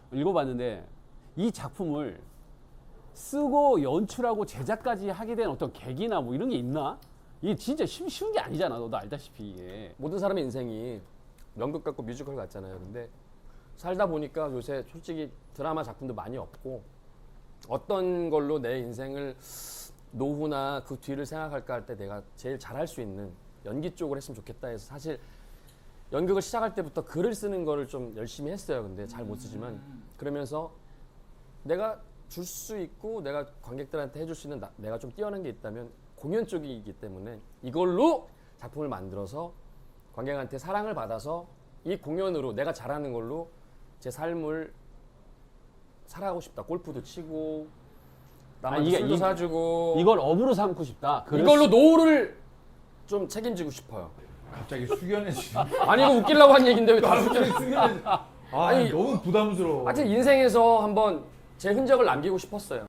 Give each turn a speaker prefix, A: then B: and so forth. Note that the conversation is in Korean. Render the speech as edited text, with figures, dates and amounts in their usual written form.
A: 읽어봤는데 이 작품을 쓰고 연출하고 제작까지 하게 된 어떤 계기나 뭐 이런 게 있나? 이게 진짜 쉬운 게 아니잖아. 너도 알다시피 이게.
B: 모든 사람의 인생이 연극 같고 뮤지컬 같잖아요. 근데 살다 보니까 요새 솔직히 드라마 작품도 많이 없고 어떤 걸로 내 인생을 노후나 그 뒤를 생각할까 할 때 내가 제일 잘할 수 있는 연기 쪽을 했으면 좋겠다 해서 사실 연극을 시작할 때부터 글을 쓰는 거를 좀 열심히 했어요. 근데 잘 못 쓰지만 그러면서 내가 줄 수 있고 내가 관객들한테 해줄 수 있는 내가 좀 뛰어난 게 있다면 공연 쪽이기 때문에 이걸로 작품을 만들어서 관객한테 사랑을 받아서 이 공연으로 내가 잘하는 걸로 제 삶을 살아가고 싶다. 골프도 치고 남한테 술도 사주고
A: 이걸 업으로 삼고 싶다.
B: 이걸로 노후를 좀 책임지고 싶어요.
C: 갑자기 숙연해지네.
B: 아니 이거 웃기려고 한 얘기인데 왜 다
C: 갑자기
B: 숙여?
C: 숙연해지. 아니 너무 부담스러워.
B: 하여튼 인생에서 한번 제 흔적을 남기고 싶었어요.